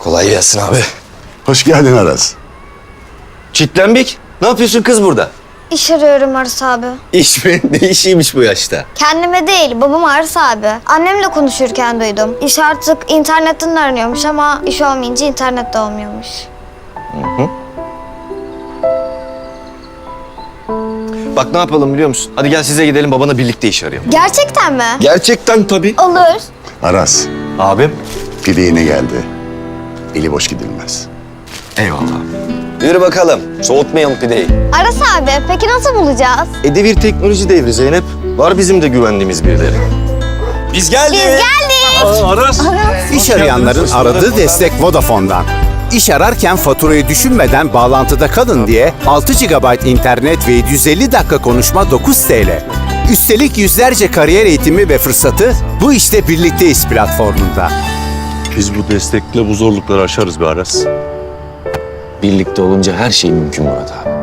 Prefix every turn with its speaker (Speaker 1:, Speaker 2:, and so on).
Speaker 1: Kolay gelsin abi.
Speaker 2: Hoş geldin Aras.
Speaker 1: Çitlenbik. Ne yapıyorsun kız burada?
Speaker 3: İş arıyorum Aras abi.
Speaker 1: İş mi? Ne işiymiş bu yaşta?
Speaker 3: Kendime değil, babam Aras abi. Annemle konuşurken duydum. İş artık internetten aranıyormuş ama iş olmayınca internette olmuyormuş.
Speaker 1: Bak ne yapalım biliyor musun? Hadi gel size gidelim babana birlikte iş arayalım.
Speaker 3: Gerçekten mi?
Speaker 1: Gerçekten tabii.
Speaker 3: Olur.
Speaker 2: Aras,
Speaker 1: Abim.
Speaker 2: pide yine geldi. Eli boş gidilmez.
Speaker 1: Eyvallah. Yürü bakalım. Soğutmayalım pideyi.
Speaker 3: Aras abi, peki nasıl bulacağız?
Speaker 1: Devir teknoloji devri Zeynep. Var bizim de güvendiğimiz birileri. Biz geldik.
Speaker 3: Biz geldik.
Speaker 1: Aras.
Speaker 4: İş arayanların aradığı destek Vodafone'dan. İş ararken faturayı düşünmeden bağlantıda kalın diye 6 GB internet ve 750 dakika konuşma 9 TL. Üstelik yüzlerce kariyer eğitimi ve fırsatı Bu İşte Birlikteyiz platformunda.
Speaker 5: Biz bu destekle bu zorlukları aşarız be Aras.
Speaker 1: Birlikte olunca her şey mümkün Murat abi.